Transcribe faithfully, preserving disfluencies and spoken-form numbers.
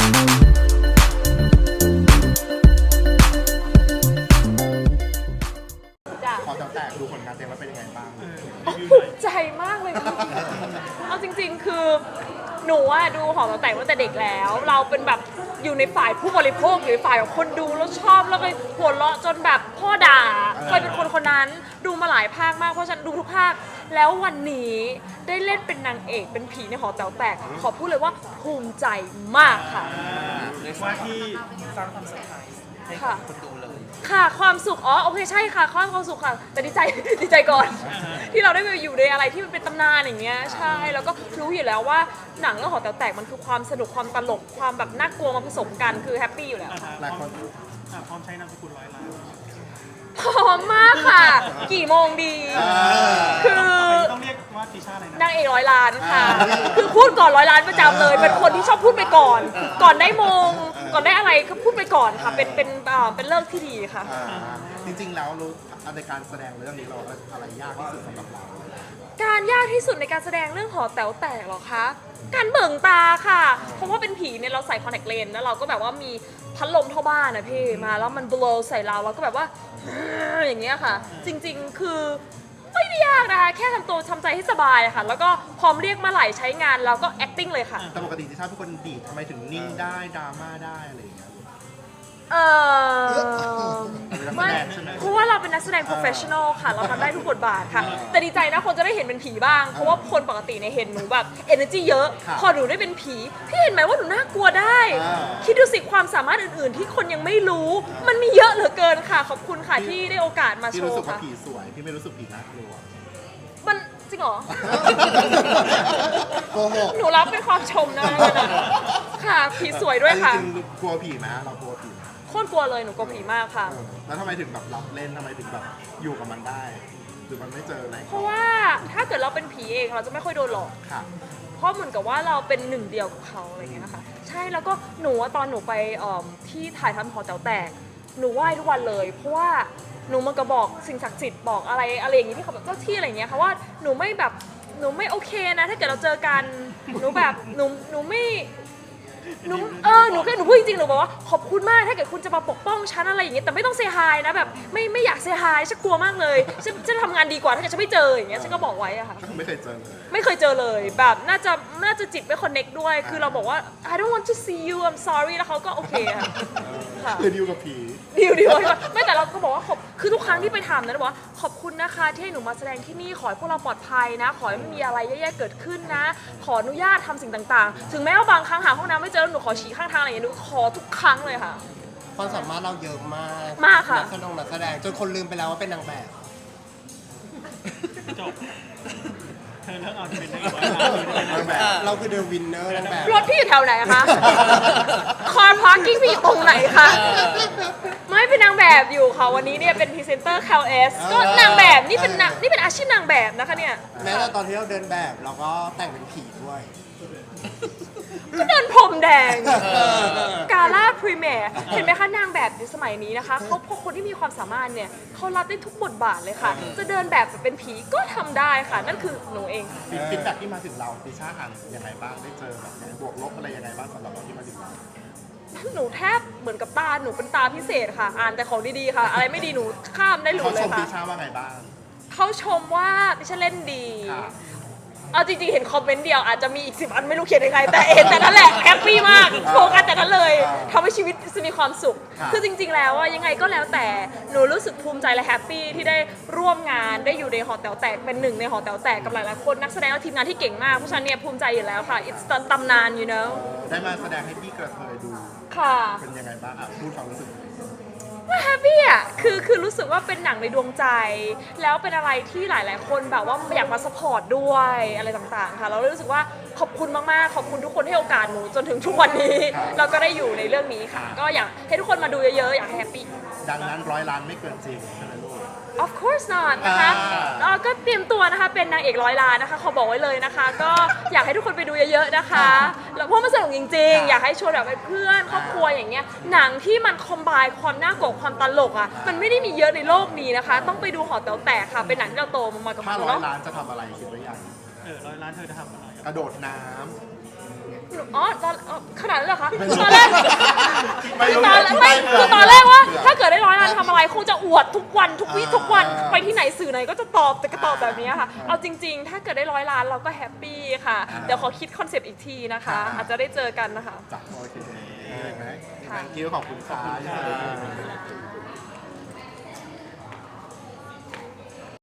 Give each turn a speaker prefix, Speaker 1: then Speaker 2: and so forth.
Speaker 1: พอจะแตกดูผลงานเต็มแล้วเป็นยังไงบ้าง
Speaker 2: ภูมิใจมากเลยค่ะเอาจริงๆคือหนูว่าดูหอแต๋วตั้งแต่เด็กแล้ว เราเป็นแบบอยู่ในฝ่ายผู้บริโภคอยู่ในฝ่ายของคนดูแล้วชอบแล้วก็หัวเราะจนแบบพ่อด่าเคยเป็นคนคนนั้นดูมาหลายภาคมากเพราะฉันดูทุกภาคแล้ววันนี้ได้เล่นเป็นนางเอกเป็นผีในหอแต๋วแตกขอพูดเลยว่าภูมิใจมากค่ะ
Speaker 3: ว่าที่สร้างความเซอร์ไพรส์ให้กับคนดูเลย
Speaker 2: ค่ะความสุขอ๋อโอเคใช่ค่ะความความสุขค่ะแต่ดีใจดีใจก่อนที่เราได้ไปอยู่ในอะไรที่มันเป็นตำนานอย่างเงี้ยใช่แล้วก็รู้อยู่แล้วว่าหนังเรื่องหอแต๋วแตกมันคือความสนุกความตลกความแบบน่ากลัวมาผสมกันคือแฮปปี้อยู่แล้ว
Speaker 1: หลายคน
Speaker 3: พร้อมใช้นามสกุลร้อยล้าน
Speaker 2: พร้อมมากค่ะกี่โมงดีคือ
Speaker 3: ต้องเรียกว่าติช่าอะไรนะ
Speaker 2: นางเอกร้อยล้านค่ะคือพูดก่อนร้อยล้านประจำเลยเป็นคนที่ชอบพูดไปก่อนก่อนได้มงก่อนได้อะไรก็พูดไปก่อนค่ะเป็นเป็นเป็นเลิกที่ดีค่ะ
Speaker 1: จริงๆแล้วรู้ในการแสดงเรื่องนี้เราอะไรยากที่สุดสำหรับเรา
Speaker 2: การยากที่สุดในการแสดงเรื่องหอแต๋วแตกหรอคะการเบิ่งตาค่ะเพราะว่าเป็นผีเนี่ยเราใส่คอนแทคเลนส์แล้วเราก็แบบว่ามีพัดลมเท่าบ้านนะพี่มาแล้วมัน blow ใส่เราเราก็แบบว่าอย่างเงี้ยค่ะจริงๆคือไม่ได้ยากนะคะแค่ทำตัวทำใจให้สบายค่ะแล้วก็พร้อมเรียกมาไหลใช้งานเราก็ acting เลยค่ะ
Speaker 1: แต่ปกติที่ชาเป็นคนดีทำไมถึงนิ่งได้ดราม่าได้อะไรอย่างเงี้ย
Speaker 2: เออไม่เพราะว่าเราเป็นนักแสดง professional ค่ะเราทำได้ทุกบทบาทค่ะแต่ดีใจนะคนจะได้เห็นเป็นผีบ้างเพราะว่าคนปกติเนี่ยเห็นหนูแบบ energy เยอะพอหนูได้เป็นผีพี่เห็นไหมว่าหนูน่ากลัวได้คิดดูสิความสามารถอื่นๆที่คนยังไม่รู้มันมีเยอะเหลือเกินค่ะขอบคุณค่ะที่ได้โอกาสมาโชว์ค่ะพี่
Speaker 1: รู้สึกว่าผีสวยพี่ไม่รู้สึกผีน่ากลัว
Speaker 2: มันจริงเหรอหนูรับเป็นความชมนะค่ะผีสวยด้วยค่ะ
Speaker 1: จริงกลัวผีไหมเรากลัวผี
Speaker 2: โคตรกลัวเลยหนูกลัวผีมากค่ะ
Speaker 1: แล้วทำไมถึงแบบรับเล่นทำไมถึงแบบอยู่กับมันได้หรือมันไม่เจออะไร
Speaker 2: เพราะว่าถ้าเกิดเราเป็นผีเองเราจะไม่ค่อยโดนหลอก
Speaker 1: ค่ะ
Speaker 2: เพราะเหมือนกับว่าเราเป็นหนึ่งเดียวกับเขาอะไรเงี้ยนะคะใช่แล้วก็หนูตอนหนูไปที่ถ่ายทำหอแต๋วแตกหนูไหว้ทุกวันเลยเพราะว่าหนูมันก็บอกสิ่งศักดิ์สิทธิ์บอกอะไรอะไรอย่างงี้ที่เขาแบบเจ้าที่อะไรเงี้ยค่ะว่าหนูไม่แบบหนูไม่โอเคนะถ้าเกิดเราเจอกันหนูแบบหนูหนูไม่หนูเออหนูแค่หนูพูดจริงๆหนูบอกว่าขอบคุณมากถ้าเกิดคุณจะมาปกป้องฉันอะไรอย่างเงี้ยแต่ไม่ต้องเซฮายนะแบบไม่ไม่อยากเซฮายฉันกลัวมากเลยฉันจะทำงานดีกว่าถ้าเกิดฉันไม่เจออย่างเงี้ยฉันก็บอกไว้อะค่ะ
Speaker 1: ไม่เคยเจอเลย
Speaker 2: ไม่เคยเจอเลยแบบน่าจะน่าจะจิตไม่คอนเน็กด้วยคือเราบอกว่า I don't want to see you I'm sorry แล้วเขาก็โอเคค่ะ
Speaker 1: คือดิวกับผี
Speaker 2: ดิวดิวไม่แต่เราก็บอกว่าขอบคือทุกครั้งที่ไปทำนะเราบอกว่าขอบคุณนะคะที่ให้หนูมาแสดงที่นี่ขอให้พวกเราปลอดภัยนะขอให้ไม่มีอะไรแย่ๆเกิดขึ้นนะขออนุญาตทำสิ่งต่างๆถึงแม้ว่าบางครั้งหาห้องน้ำไม่เจอหนูขอฉี่ข้างทางอะไรอย่างเงี้ยหนูขอทุกครั้งเลยค่ะ
Speaker 4: ความสามารถเราเยอะมาก
Speaker 2: มากค่ะ
Speaker 4: นักแสดงนักแสดงจนคนลืมไปแล้วว่าเป็นนางแบบ
Speaker 3: จบเธอเลิกเอาเป็นนางแบบ
Speaker 4: เราคือเดอะวินเนอร์นางแบบ
Speaker 2: รถพี่อยู่แถวไหนคะคาร์พาร์กิ้งพี่อยู่ตรงไหนคะไม่เป็นนางแบบอยู่ค่ะวันนี้เนี่ยเป็นพรีเซนเตอร์ แคล เอส ก็นางแบบนี่เป็นนี่เป็นอาชีพนางแบบนะคะเนี่ย
Speaker 4: แม้แต่ตอนที่เราเดินแบบเราก็แต่งเป็นผีด้วย
Speaker 2: ก็เดินพรมแดงกาล่าพรีเมียร์เห็นไหมคะนางแบบในสมัยนี้นะคะเขาพวกคนที่มีความสามารถเนี่ยเขารับได้ทุกบทบาทเลยค่ะจะเดินแบบเป็นผีก็ทำได้ค่ะนั่นคือหนูเอง
Speaker 1: ฟีดแบ็กที่มาถึงเราติช่าอ่านยังไงบ้างได้เจอแบบบวกลบอะไรยังไงบ้างสำหรับเราที่มาถึงเรา
Speaker 2: หนูแทบเหมือนกับตาหนูเป็นตาพิเศษค่ะอ่านแต่ของดีๆค่ะอะไรไม่ดีหนูข้ามได้เลยค่ะเขาชม
Speaker 1: ติช่าว่าไงบ้าง
Speaker 2: เขาชมว่าติช่าเล่นดีเอาจริงๆเห็นคอมเมนต์เดียวอาจจะมีอีกสิบอันไม่รู้เขียนยังไงแต่เห็นแต่นั้นแหละแฮปปี้มากโฟกัสแต่นั้นเลยทำให้ชีวิตมีความสุขคือจริงๆแล้วว่ายังไงก็แล้วแต่หนูรู้สึกภูมิใจและแฮปปี้ที่ได้ร่วมงานได้อยู่ในหอแต๋วแตกเป็นหนึ่งในหอแต๋วแตกกับหลายๆคนนักแสดงและทีมงานที่เก่งมากเพราะฉะนั้นเนี่ยภูมิใจอยู่แล้วค่ะ it's ตำนาน you know
Speaker 1: ได้มาแสดงให้พี่กระเทยดู
Speaker 2: ค่ะ
Speaker 1: เป็นยังไงบ้างอ่ะพูดความรู้สึก
Speaker 2: ว่าแฮปปี้อ่ะคือคือรู้สึกว่าเป็นหนังในดวงใจแล้วเป็นอะไรที่หลายๆคนแบบว่าอยากมาสปอร์ตด้วยอะไรต่างๆค่ะเรารู้สึกว่าขอบคุณมากๆขอบคุณทุกคนให้โอกาสหนูจนถึงทุกวันนี้เราก็ได้อยู่ในเรื่องนี้ค่ะก็อยากให้ทุกคนมาดูเยอะๆอยากแฮปปี้
Speaker 1: ดังนั้นร้อยล้านไม่เกินจริงใช่ไหมลูก
Speaker 2: of course not นะคะเราก็เตรียมตัวนะคะเป็นนางเอกร้อยล้านนะคะขอบอกไว้เลยนะคะก็อยากให้ทุกคนไปดูเยอะๆนะคะแล้วเพราะมันสนุกจริงๆอยากให้ชวนแบบเพื่อนครอบครัวอย่างเงี้ยหนังที่มันคอมไบน์ความน่ากลัวความตลกอ่ะมันไม่ได้มีเยอะในโลกนี้นะคะต้องไปดูหอแต๋วแตกค่ะเป็นหนังที่เราโตมากับ
Speaker 1: มันเนาะถ้าร้อยล้านจะทำอะไรคิดไว้ยัง
Speaker 3: เออร้อยล้านเธอจะทำอะไร
Speaker 1: กระโดดน้ำ
Speaker 2: หนูอ๋อตอนอ๋อขนาดนั้นเหรอคะตอนแรก
Speaker 1: ไม่รู้
Speaker 2: ตอนไม่คือตอนแรกว่าถ้าเกิดได้ร้อยล้านทำอะไรคงจะอวดทุกวันทุกวี่ทุกวันไปที่ไหนสื่อไหนก็จะตอบแต่ก็ตอบแบบนี้ค่ะ เอาจริง ๆ ถ้าเกิดได้ร้อยล้านเราก็แฮปปี้ค่ะ เดี๋ยวขอคิดคอนเซปต์อีกทีนะคะ อาจจะได้เจอกันนะคะ
Speaker 1: จัดโอเคไหม
Speaker 2: ค่ะ
Speaker 1: thank you ขอบคุณค่ะ